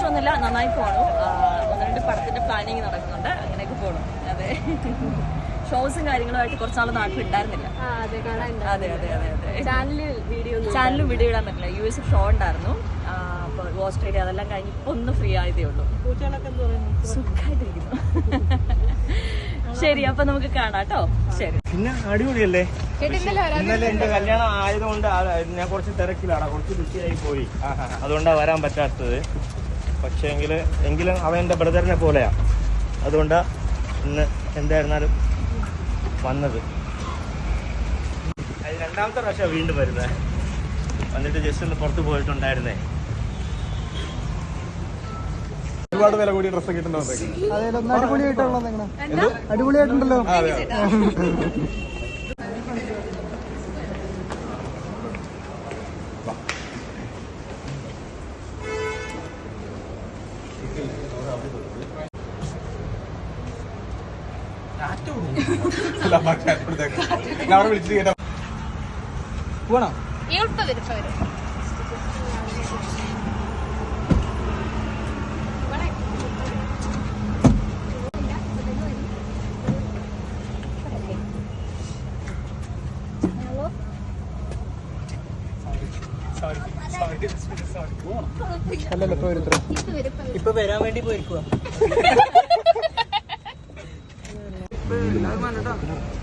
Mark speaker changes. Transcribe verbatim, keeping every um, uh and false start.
Speaker 1: കുഴപ്പമൊന്നുമില്ല, നന്നായി പോകണം. ഒന്ന് രണ്ട് പടത്തിന്റെ പ്ലാനിങ് നടക്കുന്നുണ്ട്, അങ്ങനെയൊക്കെ പോകണം. അതെ, ഷോസും കാര്യങ്ങളുമായിട്ട് കുറച്ചാൾ നാട്ടിൽ ഉണ്ടായിരുന്നില്ല. അതെ അതെ അതെ അതെ ചാനലും വീഡിയോ ഇടാൻ പറ്റില്ല. യു എസ് ഷോ ഉണ്ടായിരുന്നു, അപ്പോൾ ഓസ്ട്രേലിയ അതെല്ലാം കഴിഞ്ഞ് ഇപ്പൊ ഒന്ന് ഫ്രീ ആയതേ ഉള്ളൂ. സുഖമായിട്ടിരിക്കുന്നു. ശരി, അപ്പൊ നമുക്ക് കാണാം കേട്ടോ. ശരി.
Speaker 2: പിന്നെ അടിപൊളിയല്ലേ? ഇന്നലെ എന്റെ കല്യാണം ആയതുകൊണ്ട് ഞാൻ കുറച്ച് തിരക്കിലാണ്, കുറച്ച് ബിസിയായി പോയി, അതുകൊണ്ടാണ് വരാൻ പറ്റാത്തത്. പക്ഷേ എങ്കിൽ എങ്കിലും അവൻ എൻ്റെ ബ്രദറിനെ പോലെയാ, അതുകൊണ്ടാണ് ഇന്ന് എന്തായിരുന്നാലും വന്നത്. അത് രണ്ടാമത്തെ പ്രാവശ്യം വീണ്ടും വരുന്നത്. വന്നിട്ട് ജസ്റ്റ് ഒന്ന് പുറത്ത് പോയിട്ടുണ്ടായിരുന്നേ.
Speaker 3: ഒരുപാട് വില കൂടിയ ഡ്രസ്സ് കിട്ടുന്നുണ്ടോ? അടിപൊളിയായിട്ടുണ്ടല്ലോ. അവിടെ വിളിച്ചിട്ട് കേട്ടോ പോണോ? അല്ലല്ലോ ഇപ്പൊ വരാൻ വേണ്ടി പോയിരിക്കുക.